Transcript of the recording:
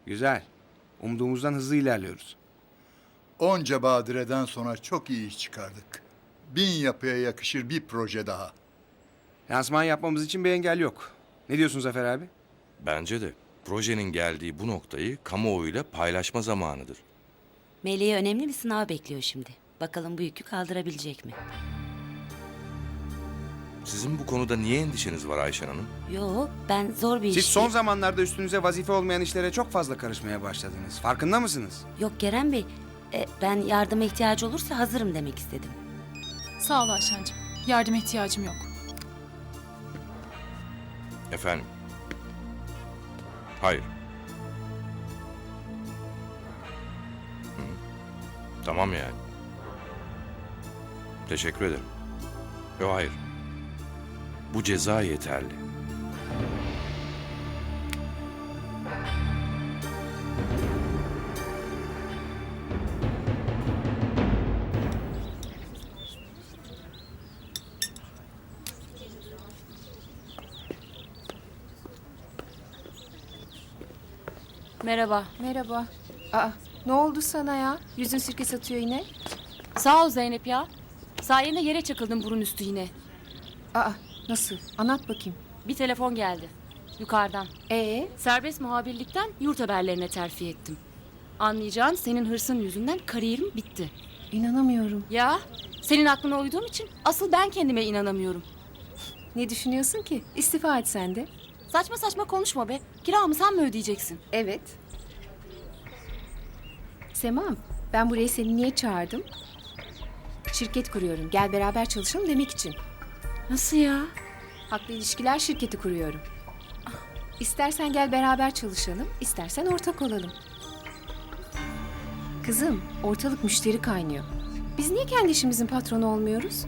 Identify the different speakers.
Speaker 1: Güzel. Umduğumuzdan hızlı ilerliyoruz.
Speaker 2: Onca badireden sonra çok iyi iş çıkardık. 1000 yapıya yakışır bir proje daha.
Speaker 1: Lansman yapmamız için bir engel yok. Ne diyorsun Zafer abi?
Speaker 3: Bence de projenin geldiği bu noktayı kamuoyuyla paylaşma zamanıdır.
Speaker 4: Melih'i önemli bir sınav bekliyor şimdi. Bakalım bu yükü kaldırabilecek mi?
Speaker 3: Sizin bu konuda niye endişeniz var Ayşen Hanım?
Speaker 4: Yo, ben zor bir
Speaker 1: Siz
Speaker 4: iş...
Speaker 1: son zamanlarda üstünüze vazife olmayan işlere çok fazla karışmaya başladınız. Farkında mısınız?
Speaker 4: Yok Kerem Bey, ben yardıma ihtiyacı olursa hazırım demek istedim.
Speaker 5: Sağ ol Ayşen'cim. Yardıma ihtiyacım yok.
Speaker 3: Efendim? Hayır. Hı. Tamam yani. Teşekkür ederim. Yok hayır. Bu ceza yeterli.
Speaker 6: Merhaba.
Speaker 7: Merhaba. Aa, ne oldu sana ya? Yüzün sirke satıyor yine.
Speaker 6: Sağ ol Zeynep ya. Sayende yere çakıldım burun üstü yine.
Speaker 7: Aa, nasıl? Anlat bakayım.
Speaker 6: Bir telefon geldi. Yukarıdan.
Speaker 7: Serbest
Speaker 6: Muhabirlikten yurt haberlerine terfi ettim. Anlayacağın senin hırsın yüzünden kariyerim bitti.
Speaker 7: İnanamıyorum.
Speaker 6: Ya senin aklına uyduğum için asıl ben kendime inanamıyorum.
Speaker 7: Ne düşünüyorsun ki? İstifa et sen de.
Speaker 6: Saçma saçma konuşma be. Kiramı sen mi ödeyeceksin?
Speaker 7: Evet. Semam, ben buraya seni niye çağırdım? Şirket kuruyorum. Gel beraber çalışalım demek için.
Speaker 6: Nasıl ya?
Speaker 7: Haklı ilişkiler şirketi kuruyorum. İstersen gel beraber çalışalım, istersen ortak olalım. Kızım, ortalık müşteri kaynıyor. Biz niye kendi işimizin patronu olmuyoruz?